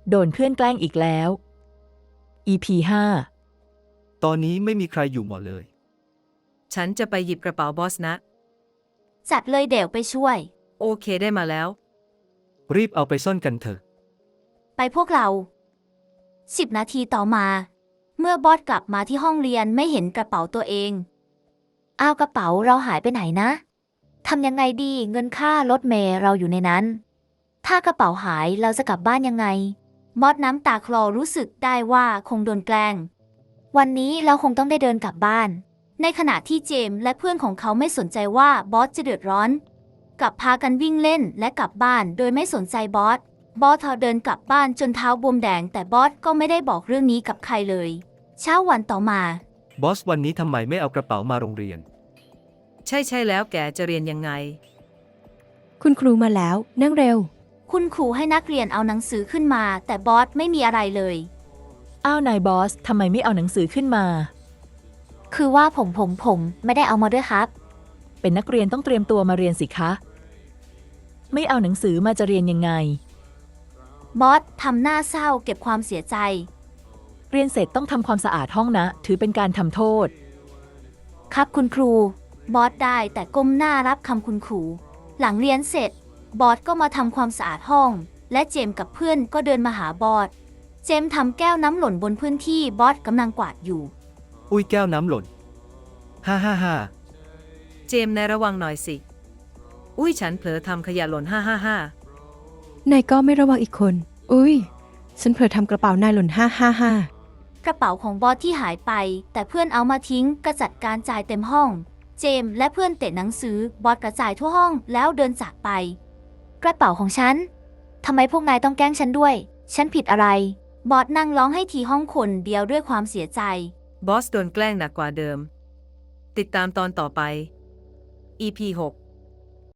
โดนเพื่อนแกล้งอีกแล้ว EP 5 ตอนนี้ไม่มีใครอยู่หมดเลยฉันจะไปหยิบกระเป๋าบอสนะจัดเลยเดี๋ยวไปช่วยโอเคได้มาแล้วรีบเอาไปซ่อนกันเถอะไปพวกเรา10 นาทีต่อมา เมื่อบอสกลับมาที่ห้องเรียนไม่เห็นกระเป๋าตัวเองอ้าวกระเป๋าเราหายไปไหนนะทำยังไงดีเงินค่ารถเมล์เราอยู่ในนั้น ถ้ากระเป๋าหายเราจะกลับบ้านยังไงบอสน้ำตาคลอรู้สึกได้ว่าคงโดนแกล้งวันนี้เราคงต้องได้เดินกลับบ้านในขณะที่เจมส์และเพื่อนของเขาไม่สนใจว่าบอสจะเดือดร้อนกลับพากันวิ่งเล่นและกลับบ้านโดยไม่สนใจบอสเดินกลับบ้านจนเท้าบวมแดงแต่บอสก็ไม่ได้บอกเรื่องนี้กับใครเลยเช้าวันต่อมาบอสวันนี้ทำไมไม่เอากระเป๋ามาโรงเรียนใช่แล้วแกจะเรียนยังไงคุณครูมาแล้วนั่งเร็วคุณครูให้นักเรียนเอาหนังสือขึ้นมาแต่บอสไม่มีอะไรเลยอ้าวนายบอสทำไมไม่เอาหนังสือขึ้นมาคือว่าผมไม่ได้เอามาด้วยครับเป็นนักเรียนต้องเตรียมตัวมาเรียนสิคะ ไม่เอาหนังสือมาจะเรียนยังไงบอสทำหน้าเศร้าเก็บความเสียใจเรียนเสร็จต้องทำความสะอาดห้องนะ ถือเป็นการทำโทษครับคุณครูบอสได้แต่ก้มหน้ารับคำคุณครูหลังเรียนเสร็จบอสก็มาทำความสะอาดห้องและเจมส์กับเพื่อนก็เดินมาหาบอสเจมส์ทำแก้วน้ำหล่นบนพื้นที่บอสกำลังกวาดอยู่อุ้ยแก้วน้ำหล่นฮ่าเจมส์นายระวังหน่อยสิ อุ้ยฉันเผลอทำขยะหล่นนายก็ไม่ระวังอีกคน อุ้ย ฉันเผลอทำกระเป๋านายหล่นกระเป๋าของบอสที่หายไปแต่เพื่อนเอามาทิ้งกระจัดการจ่ายเต็มห้อง เจมส์และเพื่อนเตะหนังสือบอสกระจายทั่วห้องแล้วเดินจากไป กระเป๋าของฉันทำไมพวกนายต้องแกล้งฉันด้วยฉันผิดอะไรบอสนั่งร้องให้ทีห้องคนเดียวด้วยความเสียใจบอสโดนแกล้งหนักกว่าเดิม ติดตามตอนต่อไป EP 6